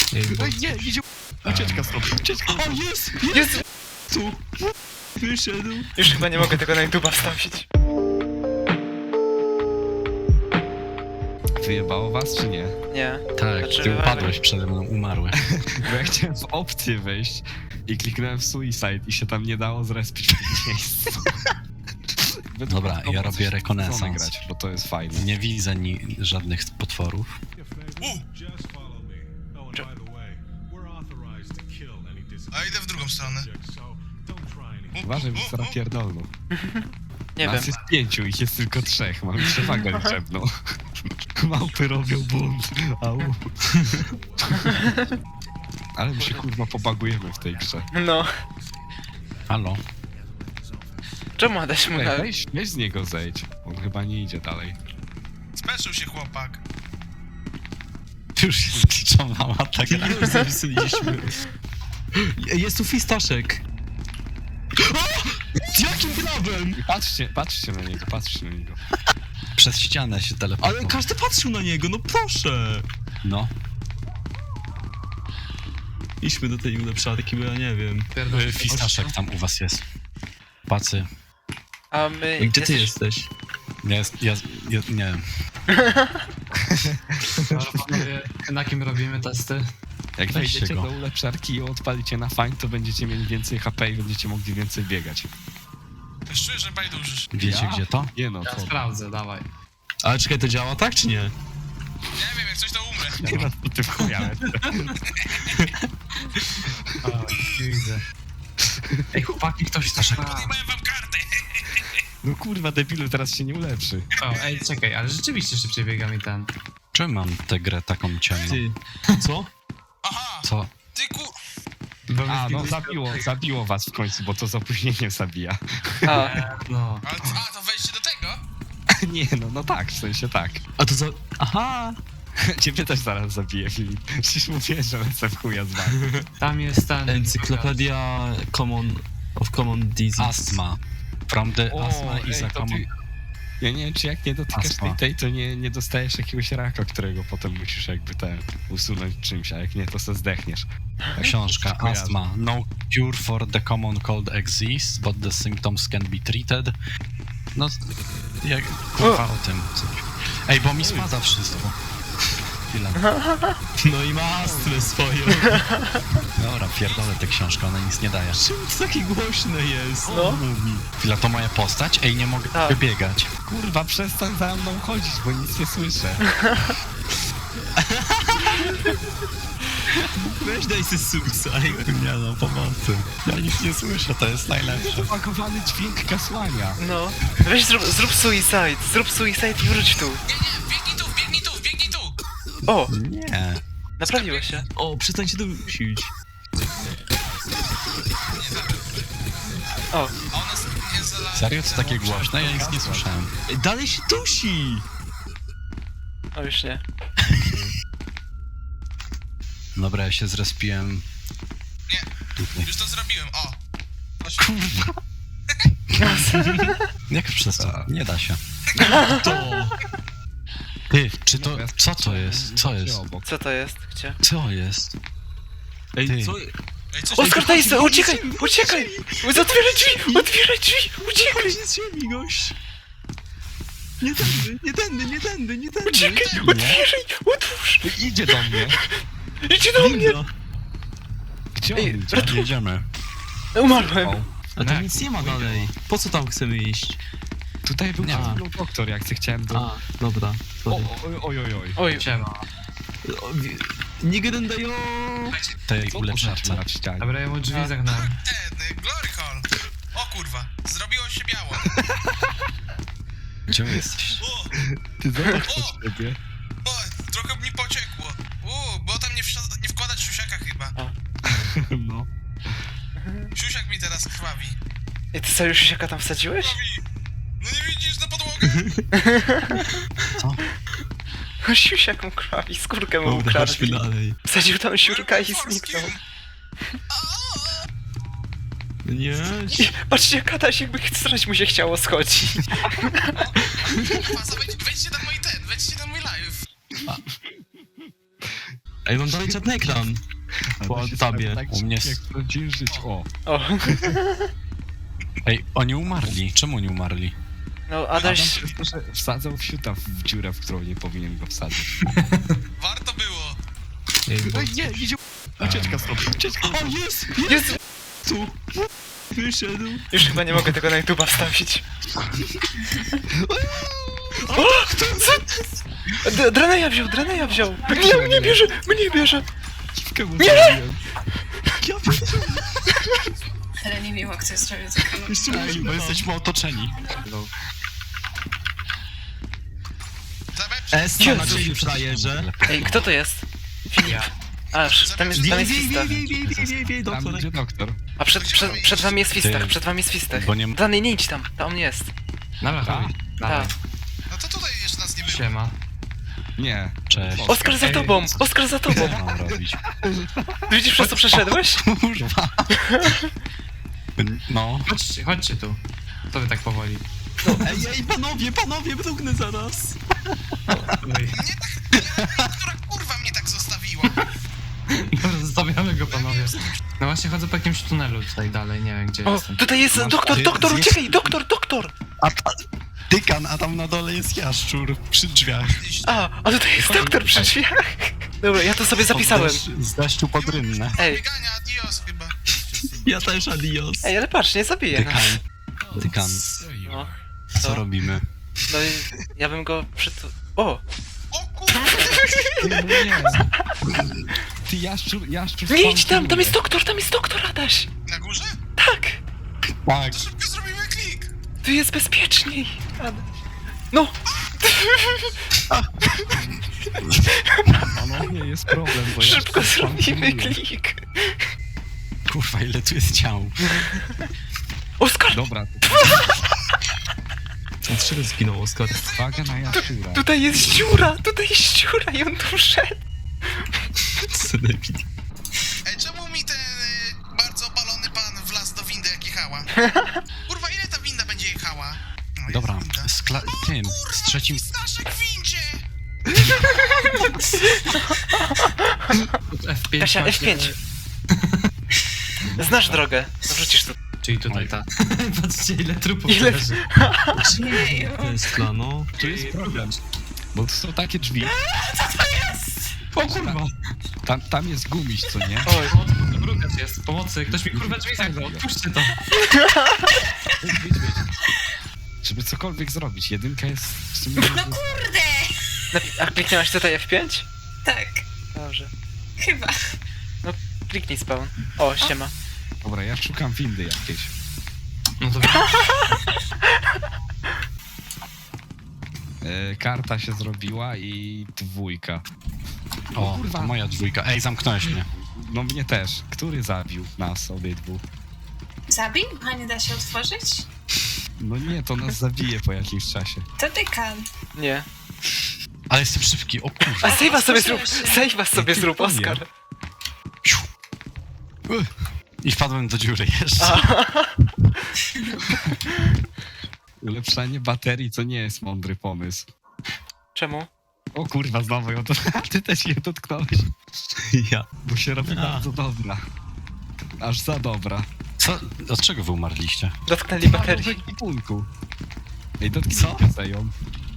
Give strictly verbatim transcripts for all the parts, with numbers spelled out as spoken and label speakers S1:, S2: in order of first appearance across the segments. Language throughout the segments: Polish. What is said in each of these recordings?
S1: Ej, nie, idzie ucieczka stąd, ucieczka.
S2: O, jest!
S3: Jest!
S2: Tu! Wyszedł.
S3: Już chyba nie mogę tego na YouTube'a wstawić.
S1: Wyjebało was, czy nie?
S3: Nie.
S2: Tak,
S3: Znaczy,
S2: ty
S3: ale-
S2: upadłeś przede mną, umarłeś.
S1: Bo ja chciałem w opcję wejść i kliknąłem w suicide i się tam nie dało zrespić w miejscu.
S2: Dobra, ja robię
S1: Chcę
S2: rekonesans.
S1: grać, bo to jest fajne.
S2: Nie widzę ni żadnych potworów.
S4: A idę w drugą stronę.
S1: Uważaj, bo zaraz pierdolną.
S3: Nie
S1: Nas
S3: wiem.
S1: jest pięciu, ich jest tylko trzech, mam przewagę liczebną. Małpy robią bunt, au. Ale my się kurwa pobagujemy w tej grze.
S3: No.
S2: Halo?
S3: Czemu Adaś mu
S1: Ej,
S3: na...
S1: weź, weź z niego zejdź, on chyba nie idzie dalej.
S4: Speszył się chłopak.
S2: Już się skliczowała ta gra.
S5: Już zapisaliśmy. Jest tu fistaszek. Jakim prawem?
S1: Patrzcie, patrzcie na niego, patrzcie na niego.
S2: Przez ścianę się teleportował.
S5: Ale każdy patrzył na niego, no proszę.
S2: No.
S5: Idźmy do tej ulepszarki, bo ja nie wiem.
S2: Y, Fistaszek tam u was jest. Pacy.
S3: A my...
S5: Gdzie ty
S3: jesteś-
S5: jesteś?
S2: Jest, ja, ja, nie wiem.
S6: Może panowie, na kim robimy testy?
S1: Jak
S2: Weźcie
S1: wejdziecie
S2: go.
S1: do ulepszarki i ją odpalicie na fajn, to będziecie mieli więcej H P i będziecie mogli więcej biegać.
S4: Już czuję, że bajdurzysz.
S2: Wiecie
S1: Ja?
S2: gdzie to?
S1: Nie no,
S6: Ja
S1: co?
S6: sprawdzę, dawaj.
S5: Ale czekaj, to działa tak czy nie?
S4: Nie wiem, jak coś to umrę.
S1: Nie no, to ty wchujałeś.
S6: O, widzę. Ej, chłopaki, ktoś też...
S4: Podjebałem wam kartę.
S1: No kurwa, debilu, teraz się nie ulepszy.
S6: O, ej, czekaj, ale rzeczywiście szybciej biega mi ten.
S2: Czemu mam tę grę taką ciemną?
S5: Ty. Co?
S4: Aha,
S2: Co?
S4: ty ku...
S6: Bo mi
S1: A, no
S6: zginął-
S1: zabiło, zabiło was w końcu, bo to z opóźnieniem zabija.
S3: A,
S6: No.
S4: Ale, a, to wejście do tego?
S1: Nie no, no tak, w sensie tak.
S5: A to za... Aha!
S1: Ciebie też zaraz zabiję, Filip. Przecież mówię, że lecę w chuja z wami.
S6: Tam jest ten...
S5: Encyklopedia common... of common disease.
S2: Astma. From the asthma is a
S1: to
S2: common...
S1: ty... Ja nie wiem, czy jak nie dotykasz
S2: Astma.
S1: tej, tej, to nie, nie dostajesz jakiegoś raka, którego potem musisz jakby te usunąć czymś, a jak nie, to se zdechniesz. Tak,
S2: Książka
S1: to kojarzę.
S2: Astma. No cure for the common cold exists, but the symptoms can be treated. No, jak kurwa o tym coś. Ej, bo mi spada wszystko. Chwilę.
S5: No i ma astmę swoją.
S2: Dobra, pierdolę tę książkę, ona nic nie daje.
S5: Czemu to takie głośne jest?
S3: No.
S5: Mówi.
S2: Chwila, to moja postać? Ej, nie mogę
S3: Tak.
S2: wybiegać.
S1: Kurwa, przestań za mną chodzić, bo nic nie słyszę.
S5: Weź daj se suicide.
S2: Nie no, pomocy. Ja nic nie słyszę, to jest najlepsze.
S1: Zapakowany dźwięk kasłania.
S3: no. Weź zrób, zrób suicide, zrób suicide i wróć tu.
S4: Nie, nie, biegnij tu, biegnij tu, biegnij tu.
S3: O,
S2: Nie.
S3: naprawiło się.
S5: O, przestańcie dusić.
S3: O,
S4: A ona s- jest za...
S2: Serio? To takie głośne? Ja nic nie słyszałem.
S5: Ej, dalej się dusi!
S3: o już nie.
S2: Dobra, ja się zrespiłem.
S4: Nie.
S2: Tutaj.
S4: Już to zrobiłem, o.
S2: Kurwa. Jak przez to? Nie da się.
S5: To!
S2: Ty, czy to... Co to jest? Co jest?
S1: Obok.
S3: Co to jest? Gdzie?
S2: Co jest?
S5: Ej,
S2: Ty.
S5: co?
S4: Ej, coś...
S3: Oskar, daj sobie,
S5: chodź,
S3: uciekaj,
S5: chodź,
S3: uciekaj! Otwieraj drzwi, otwieraj drzwi, uciekaj!
S5: Chodź z ziemi, gość! Nie tędy, nie tędy, nie tędy, nie tędy!
S3: Uciekaj, otwieraj, otwórz!
S1: Idzie do mnie.
S3: Idzie do mnie!
S5: Winda.
S1: Gdzie
S3: Ej,
S1: on idzie?
S3: ratu-
S2: Jedziemy.
S3: Umarłem.
S1: O,
S5: A tam nic nie ma dalej. Po co tam chcemy iść?
S1: tutaj był
S2: Nie
S1: przed
S2: ma.
S1: chwilą doktor, jak ty chciałem do...
S5: A, dobra.
S1: O,
S5: Sorry.
S1: oj, oj, oj, oj.
S3: Oj,
S6: Siema.
S5: O, wi- Nie gadają!
S2: Tej
S1: Co
S2: ulepszarce.
S1: na ścianie?
S6: Dobra, ja mu drzwi
S3: A.
S6: zagnałem.
S4: Ten, y, glory hall. O kurwa, zrobiło się biało.
S2: Gdzie wy jesteś?
S4: O,
S1: Ty zobacz
S4: O!
S1: po siebie.
S4: o, trochę mi pociekło. U, bo tam nie, wsi- nie wkładać siusiaka chyba.
S1: No.
S4: Siusiak mi teraz krwawi.
S3: i ty sobie już siaka tam wsadziłeś?
S4: Krwawi. No nie widzisz na podłogę?
S3: O, siusiak mu krwawi, skórkę mu
S5: Dobra, chodźmy
S3: ukradli.
S5: dalej.
S3: Wsadził tam siurka i zniknął.
S5: Nie,
S3: I patrzcie, jak Adaś jakby strać mu się chciało schodzić.
S4: Faza, wejdź, wejdźcie na mój ten, wejdźcie na mój live.
S5: Ej, mam dalej czarny ekran. Po
S1: Ona się
S5: tabie.
S1: tak
S2: U mnie
S1: jak
S2: s-
S1: w prawdziwym życiu. O,
S3: O,
S2: Ej, oni umarli. Czemu oni umarli?
S3: no
S1: Adam
S3: Adaś...
S1: przez to, że wsadzał wsiuta w dziurę, w którą nie powinien go wsadzić.
S4: Warto było.
S5: Ej, bo...
S1: Ej, nie, idzie ucieczka stąd, ucieczka.
S5: O, jest!
S3: Jest!
S5: Tu! Wyszedł.
S3: Już chyba nie mogę tego na YouTube'a wstawić. O! Co? D- Draneja wziął, Draneja wziął! Mnie, mnie bierze, mnie bierze!
S1: Dziwkę mu zrobiłem.
S5: Ja pierdolę.
S7: Ale nie miło, kto zrobił taką.
S5: Jeszcze
S2: Ej, bo
S5: muszę.
S2: jesteśmy otoczeni.
S4: Zabecz.
S5: S
S3: Jezu.
S5: na ciebie frajerze.
S3: Ej, kto to jest? Filip. Aż, tam jest, tam
S5: Wiej,
S3: jest
S5: wiej,
S3: Fistach.
S5: wiej, wiej, wiej, wiej, wiej,
S1: Tam
S5: doktor.
S1: idzie doktor.
S3: A przed, przed, przed wami jest Fistach, przed wami jest Fistach.
S2: Bo nie-
S3: Dranej, nie idź tam, tam jest.
S6: Dobra, chodź. Dawaj.
S3: Tak.
S4: No to tutaj jeszcze nas nie było.
S6: Siema.
S1: Nie.
S2: Cześć.
S3: Oskar za tobą! Oskar za
S2: Co
S3: tobą!
S2: mam robić?
S3: Widzisz, przez co przeszedłeś?
S2: Kurwa. No.
S6: Chodźcie, chodźcie tu. Co wy tak powoli?
S5: Ej, ej, panowie, panowie, mrugnę zaraz.
S6: Oj.
S4: Nie tak, nie, która kurwa mnie tak zostawiła.
S6: Dobra, zostawiamy go, panowie. No właśnie chodzę po jakimś tunelu tutaj dalej, nie wiem gdzie
S3: O,
S6: jestem.
S3: tutaj jest
S2: Masz-
S3: doktor,
S2: ty-
S3: doktor,
S2: zjedz-
S3: uciekaj, doktor, doktor!
S2: A ta... Dykan, a tam na dole jest jaszczur przy drzwiach.
S3: A, a tutaj jest doktor przy drzwiach. Dobra, ja to sobie zapisałem.
S2: Z deszczu- Z deszczu pod rynnę.
S3: Ej,
S4: Biegania, adios chyba.
S5: Ja też adios.
S3: ej, ale patrz, nie zabiję nas.
S2: Dykan. Dykan,
S3: No,
S2: co
S3: co?
S2: robimy?
S3: No i ja bym go przytu... O!
S4: O kurwa.
S1: Ty, no nie. Ty jaszczur, jaszczur
S3: Nie idź tam, tam
S1: spawnuje.
S3: jest doktor, tam jest doktor, Adaś!
S4: Na górze?
S3: Tak!
S2: Tak.
S4: Szybko zrobimy klik.
S3: Tu jest bezpieczniej! Adaś. No!
S1: Panowie, jest problem, bo
S3: Szybko
S1: jaszczur
S3: zrobimy
S1: spawnuje.
S3: klik!
S2: Kurwa, ile tu jest ciał.
S3: Oskar!
S1: Dobra,
S5: Dlaczego zginął Oskar?
S1: uwaga na jaszczura.
S3: Tutaj jest dziura! Tutaj jest dziura i on tu wszedł!
S5: Senepid.
S4: Ej, czemu mi ten y, bardzo opalony pan wlazł do windy jak jechała? Kurwa, ile ta winda będzie jechała? No, jest
S2: Dobra,
S4: winda.
S2: z kla- tym, z trzecim...
S4: W naszej windzie!
S6: F pięć
S3: Kasia,
S6: macie-
S3: F pięć. Znasz drogę. No wrzucisz tu.
S6: Czyli tutaj
S2: Oj.
S6: ta. Patrzcie ile trupów
S3: Ile-
S6: leży.
S7: Jeju.
S5: To jest plano.
S1: Tu jest problem, bo to są takie drzwi.
S6: O kurwa!
S1: Tam, tam jest gumiś, co nie?
S3: Oj.
S6: Brukacz jest, pomocy, ktoś mi kurwa drzwi zagrał, otwórzcie to.
S1: Wyjdź, wyjdź, wyjdź. Żeby cokolwiek zrobić, jedynka jest w sumie...
S7: No kurde!
S3: Napi- A kliknęłaś tutaj F pięć?
S7: Tak,
S3: Dobrze.
S7: chyba.
S3: Kliknij spawn. O, siema.
S1: Dobra, ja szukam windy jakiejś.
S6: No to
S1: E, karta się zrobiła i dwójka.
S2: O,
S1: kurwa.
S2: to moja dwójka. Ej, zamknąłeś mnie.
S1: No mnie też. Który zabił nas obydwu?
S7: Zabił? A nie da się otworzyć?
S1: No nie, to nas zabije po jakimś czasie.
S7: To dykan.
S3: Nie.
S2: Ale jestem szybki, o kurwa.
S3: A save'a sobie zrób!
S7: Otworzyłeś się.
S3: Save'a sobie
S1: Ty
S3: zrób,
S1: powiem.
S3: Oskar.
S2: I wpadłem do dziury jeszcze.
S3: A,
S1: Ulepszanie baterii to nie jest mądry pomysł.
S3: czemu?
S1: O kurwa, znowu ją to... Ty też je dotknąłeś.
S5: Ja.
S1: Bo się robi
S5: A.
S1: bardzo dobra. Aż za dobra.
S2: Co? Od czego wy umarliście?
S3: Dotknęli
S1: W
S3: baterii.
S1: ekwipunku. Ej, dotknij
S2: Co?
S1: ją.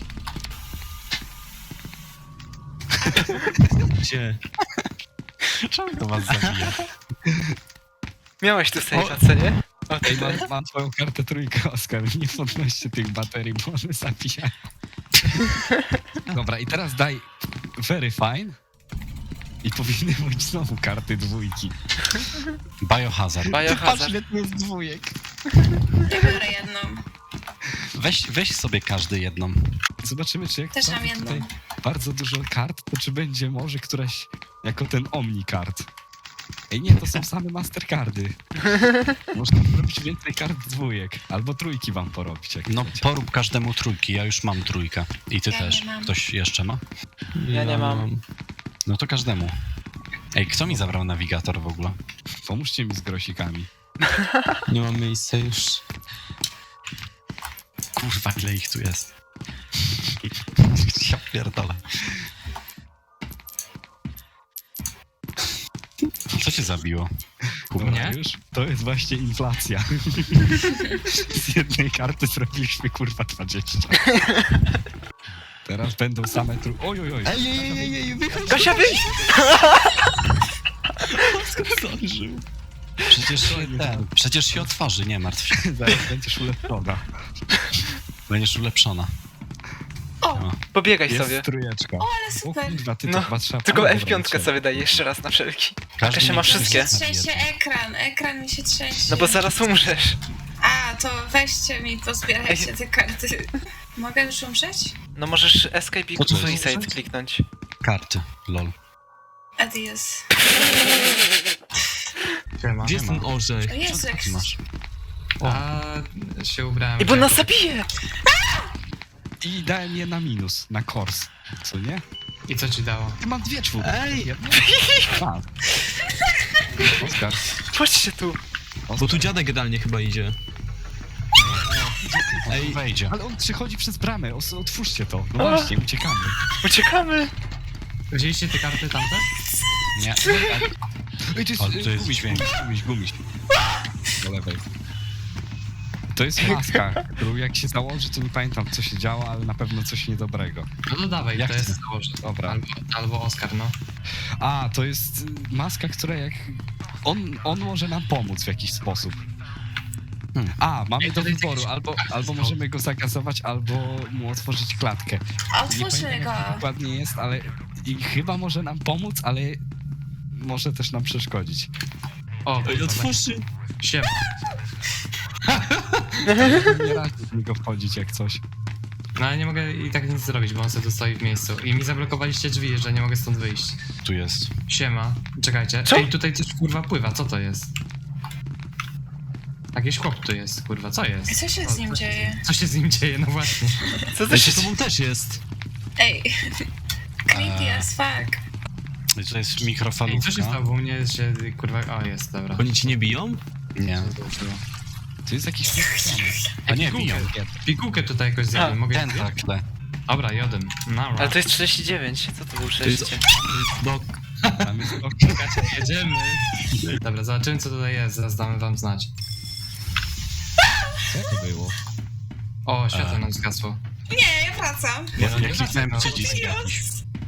S5: Gdzie?
S2: Czemu to was zabija?
S3: Miałeś tu save'a, co nie? O,
S1: Ej,
S3: tutaj.
S1: mam, mam twoją kartę trójkę, Oskar. Nie podnoście tych baterii, bo one zabijają. Dobra, i teraz daj very fine. I powinny być znowu karty dwójki.
S2: Biohazard.
S1: Patrz,
S3: Biohazard.
S1: ile tu jest dwójek.
S7: Ja biorę jedną.
S2: Weź, weź sobie każdy jedną.
S1: Zobaczymy, czy jak
S7: Też mam
S1: wstawi
S7: jedną.
S1: tutaj bardzo dużo kart, to czy będzie może któraś jako ten Omni-card. Ej, nie, to są same Mastercardy. Można zrobić więcej kart dwójek. Albo trójki wam porobić, jak
S2: No
S1: chcecie.
S2: porób każdemu trójki, ja już mam trójkę. I ty
S7: Ja
S2: też.
S7: nie mam.
S2: Ktoś jeszcze ma?
S3: Ja nie mam.
S2: No to każdemu. Ej, kto mi zabrał nawigator w ogóle?
S1: Pomóżcie mi z grosikami.
S5: Nie mam miejsca już.
S2: Kurwa, ile ich tu jest. Ja pierdolę. cię zabiło?
S1: Dobra,
S6: Nie?
S1: już? To jest właśnie inflacja. Z jednej karty zrobiliśmy kurwa dwadzieścia. Teraz będą same tru... Oj, oj, oj.
S5: Ej, ej, ej, ej, ej, wychodź!
S3: Kasia, wyjdź!
S5: Zdążył.
S2: Przecież się, ten, przecież się otworzy, nie martw się.
S1: Zaraz będziesz ulepszona.
S2: Będziesz ulepszona.
S7: O,
S2: No.
S3: Pobiegaj
S1: Jest
S3: sobie.
S1: trójeczka.
S7: ale
S1: O
S7: super.
S1: kurwa, ty
S3: No,
S1: to chyba trzeba...
S3: Tylko
S1: Dobra,
S3: F pięć
S1: cię.
S3: sobie daj jeszcze raz na wszelki.
S2: Każdy
S3: Kasia ma
S2: niech się
S3: wszystkie.
S2: zastawi
S7: Trzęsie
S2: jedno.
S7: ekran, ekran mi się trzęsie.
S3: No bo zaraz umrzesz.
S7: A, to weźcie mi, pozbierajcie te karty. Mogę już umrzeć?
S3: No możesz escape i
S2: Po co?
S3: suicide kliknąć.
S2: Karty, lol.
S7: Adios.
S6: Siema.
S5: Gdzie jest ten orzech?
S7: O Jezu, jak...
S2: Ty masz.
S6: A się ubrałem.
S3: I bo nas
S6: jako-
S3: zabije!
S1: I dałem je na minus, na kors. Co nie?
S6: I co ci dało?
S1: Ty mam dwie czwórki.
S5: Ej!
S1: Jedną? A. Oskar.
S3: Chodźcie tu.
S5: Bo tu dziadek jadalnie chyba idzie.
S2: Ej, wejdzie.
S1: Ale on przychodzi przez bramę, os- otwórzcie to. No
S3: A.
S1: właśnie, uciekamy.
S3: Uciekamy.
S6: Wzięliście te karty tamte?
S2: Nie.
S1: Ej, to jest,
S2: Ale to jest
S1: gumiś,
S2: dźwięk.
S1: gumiś, gumiś. Do lewej. To jest maska, którą jak się założy, to nie pamiętam co się działo, ale na pewno coś niedobrego.
S6: No to dawaj,
S1: Jak
S6: to jest
S1: chcesz?
S6: założę.
S1: Dobra.
S6: Albo, albo Oskar, no.
S1: A, to jest y, maska, która jak... On, on może nam pomóc w jakiś sposób.
S2: Hmm.
S1: A, mamy
S6: Ej,
S1: do
S6: to jest
S1: wyboru,
S6: jakiś-
S1: albo, albo możemy go zagazować, albo mu otworzyć klatkę. Nie
S7: Otwórzmy
S1: pamiętam
S7: go.
S1: jak to dokładnie jest, ale i chyba może nam pomóc, ale może też nam przeszkodzić.
S6: O,
S5: Ej, otwórzcie!
S6: siema.
S1: Nie razie w niego wchodzić jak coś.
S6: No ale nie mogę i tak nic zrobić, bo on sobie tu stoi w miejscu. I mi zablokowaliście drzwi, że nie mogę stąd wyjść.
S2: Tu jest.
S6: Siema. Czekajcie.
S3: Co?
S6: Ej, tutaj coś kurwa pływa, co to jest? Jakiś chłop tu jest, kurwa, co jest?
S7: Co się
S6: O,
S7: z nim
S6: co
S7: dzieje?
S6: Co się z nim dzieje, no właśnie.
S3: Co to
S5: Ej,
S3: się
S5: to tobą też jest.
S7: Ej. Creepy
S2: Eee.
S7: as fuck.
S2: I to jest
S6: Ej, co się
S2: mikrofalówka.
S6: stało, bo u mnie się, kurwa, o jest, dobra.
S5: Oni ci nie biją?
S2: Nie.
S1: To jest jakiś pieprzony.
S2: A nie,
S6: Pigułkę.
S2: biją.
S6: Pigułkę tutaj jakoś
S3: A,
S6: zjadłem, mogę
S2: Ten
S6: zjeść?
S2: takle.
S6: Dobra, jodem. No,
S3: Ale to jest trzydzieści dziewięć. Co to był
S5: To jest...
S3: trzydzieści?
S5: No,
S1: Tam jest to...
S6: jedziemy. Dobra, zobaczymy co tutaj jest, zaraz damy wam znać.
S1: Co to było?
S6: O, światło
S2: Eee.
S6: nam zgasło.
S7: Nie, ja wracam.
S2: Ja,
S6: No,
S2: ja kliknąłem
S6: no.
S2: przycisk jakiś.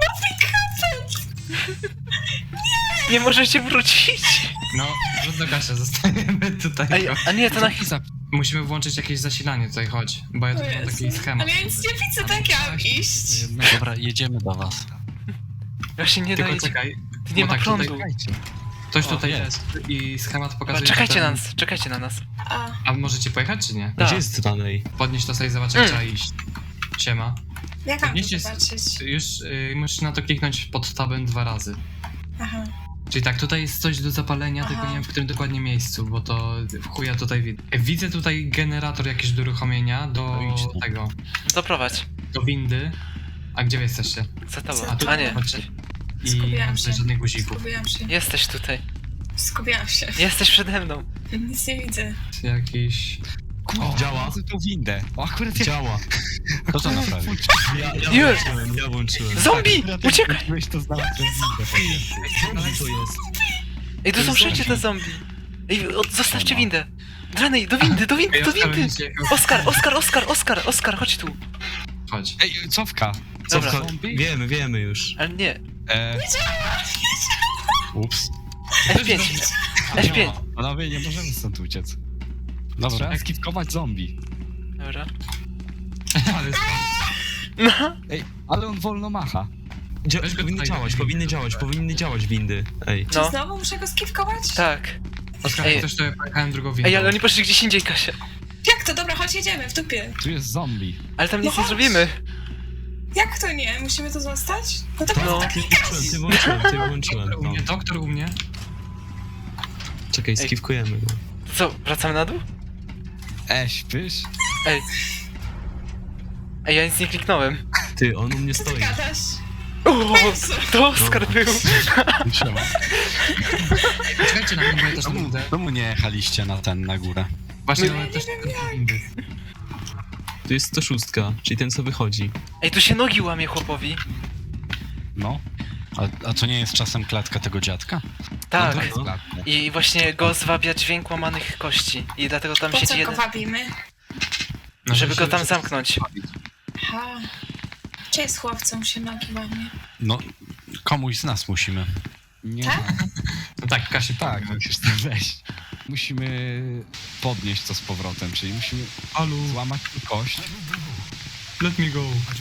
S3: Nie możecie wrócić!
S6: No, trudno Kasia, zostaniemy tutaj.
S3: Ej, a nie, to na...
S1: Za...
S6: Musimy włączyć jakieś zasilanie tutaj, chodź. Bo ja tu
S7: O
S6: mam taki
S7: Jezu.
S6: schemat.
S7: Ale ja nic nie widzę, tak ja mam iść.
S2: Dobra, jedziemy do was.
S3: Właśnie nie
S6: Tylko
S3: daje...
S6: czekaj,
S3: Nie
S6: bo
S3: ma
S6: tak,
S3: prądu.
S6: tutaj, ktoś
S3: O,
S6: tutaj
S2: jest.
S6: jest i schemat
S3: Dobra,
S6: pokazuje...
S3: czekajcie
S6: że
S3: na
S6: ten-
S3: nas, czekajcie na nas.
S7: A,
S6: A możecie pojechać czy nie?
S3: Tak.
S5: gdzie jest tytanej?
S6: Podnieś to sobie, zobacz jak
S3: Mm.
S6: trzeba iść. Siema.
S7: jak mam to
S6: Podnieście...
S7: zobaczyć?
S6: Już y, musisz na to kliknąć pod tabem dwa razy.
S7: Aha.
S6: Czyli tak, tutaj jest coś do zapalenia,
S7: Aha.
S6: tylko nie wiem w którym dokładnie miejscu, bo to w chuja tutaj widzę. Widzę tutaj generator jakiś do uruchomienia, do
S2: No idź tu.
S6: tego,
S3: Doprowadź.
S6: do windy. A gdzie wy jesteście?
S3: Za tobą.
S7: Co?
S6: A tu
S3: A nie.
S6: chodźcie. I
S7: Skupiłam
S6: nie mam
S7: się.
S6: tutaj żadnych guzików.
S7: Skupiłam się.
S3: Jesteś tutaj.
S7: Skupiłam się.
S3: Jesteś przede mną.
S7: Nic nie widzę.
S6: Jakiś...
S1: Kurwa,
S5: działa.
S1: za tą windę. O, akurat jak...
S5: Działa.
S2: Kto to naprawił?
S5: Ja, ja
S3: Już.
S5: włączyłem, ja włączyłem.
S3: Zombie!
S1: Akurat jak
S3: Uciekaj!
S1: wróciłeś, to znalazłem windę.
S5: Zombie to jest.
S3: Ej, tu są wszędzie te zombie. Ej, od, zostawcie windę. Dranej, do windy, do windy, do windy! Oskar, Oskar, Oskar, Oskar, Oskar, chodź tu.
S6: Chodź.
S1: Ej, cofka.
S3: Dobra.
S5: Co, wiemy, wiemy już.
S3: Ale nie.
S1: E,
S2: Ups.
S3: F pięć. F pięć.
S1: panowie, nie możemy stąd uciec.
S2: Dobra.
S1: Trzeba skipkować zombie.
S3: Dobra.
S6: Ale
S3: No.
S1: Ej, ale on wolno macha.
S5: Dzia
S6: Weź go
S5: powinny
S6: tutaj,
S5: działać,
S6: windy,
S5: powinny
S6: dobra.
S5: działać, powinny działać windy. Ej.
S7: Czy
S3: No.
S7: znowu muszę go skiwkować?
S3: Tak.
S6: Oskar,
S3: Ej.
S6: też tutaj pojechałem drugą windą.
S3: Ej, ale oni poszli gdzieś indziej, Kasia.
S7: Jak to? Dobra, chodź, jedziemy, w dupie.
S1: Tu jest zombie.
S3: Ale tam nic
S7: No
S3: nie
S7: chodź.
S3: zrobimy.
S7: Jak to nie? Musimy to zostać? No to
S3: No.
S7: tak
S5: Ty włączyłem, ty włączyłem, ty włączyłem.
S6: Doktor u
S5: No.
S6: mnie, doktor u mnie.
S5: Czekaj,
S3: Ej.
S5: skiwkujemy go.
S3: To co, wracamy na dół?
S1: E, śpisz?
S3: Ej. Ej, ja nic nie kliknąłem.
S5: Ty, on u mnie
S7: Co ty
S5: stoi.
S7: gadasz?
S3: O,
S7: Jezu.
S3: to Oskar był.
S2: Trzeba.
S6: Czekajcie na mnie, bo ja też
S2: Czemu,
S6: będę.
S2: czemu nie jechaliście na ten, na górę?
S6: Właśnie,
S3: No,
S6: ale też windy.
S5: Tu jest sto sześć, czyli ten co wychodzi.
S3: Ej, tu się nogi łamie chłopowi.
S1: No.
S2: A, a to nie jest czasem klatka tego dziadka?
S3: Tak.
S1: No to jest klatka.
S3: I właśnie go zwabia dźwięk łamanych kości. I dlatego tam
S7: Po
S3: siedzi
S7: co go
S3: jeden...
S7: wabimy?
S5: No,
S3: Żeby go
S5: żeby
S3: tam
S5: się-
S3: zamknąć.
S7: Aha. Czy jest chłopcą się nogi łamie?
S2: No, komuś z nas musimy.
S1: Nie,
S7: Tak?
S5: No tak, Kasi,
S1: tak, musisz tam wejść. Musimy podnieść to z powrotem, czyli musimy
S5: Alu,
S1: złamać tu kość.
S5: let me go.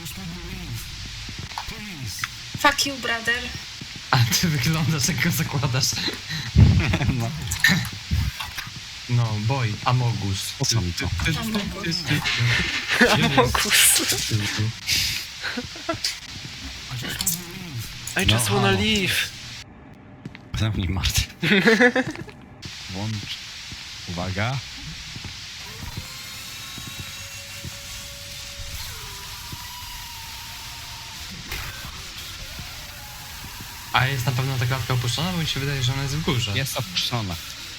S7: Fuck you, brother.
S5: A ty wyglądasz, jak go zakładasz.
S1: No.
S5: No, boy, Amogus.
S2: Po co mi to?
S7: Amogus.
S3: Amogus. I just
S1: No,
S3: wanna
S1: halo.
S3: leave.
S2: Zamknij Marty.
S1: Włącz. Uwaga.
S5: A jest na pewno ta klatka opuszczona, bo mi się wydaje, że ona jest w górze.
S1: Jest opuszczona.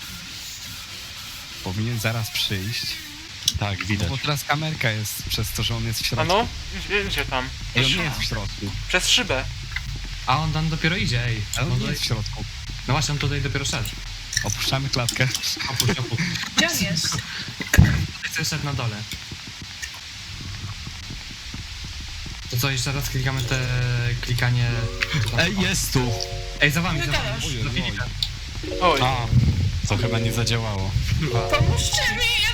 S1: Powinien zaraz przyjść.
S2: Tak,
S1: No
S2: widać.
S1: bo teraz kamerka jest przez to, że on jest w
S3: A
S1: środku.
S3: no? Gdzie tam?
S1: I on nie jest w środku.
S3: Przez szybę.
S5: A on tam dopiero idzie, ej.
S1: Ale on
S5: No,
S1: nie
S5: tutaj...
S1: jest w środku.
S5: no właśnie, on tutaj dopiero szedł.
S1: Opuszczamy klatkę.
S5: Opuść, opuść.
S7: Gdzie on jest?
S5: Tutaj coś szedł na dole. To co, jeszcze raz klikamy te klikanie...
S2: Ej, jest tu!
S5: Ej, za wami,
S7: Nie
S5: za wami.
S7: gadasz.
S1: Ojej,
S5: Do
S1: oj.
S5: Filipa.
S3: Oj.
S2: A, to chyba nie zadziałało.
S5: Kurwa.
S7: Pomóżcie mi,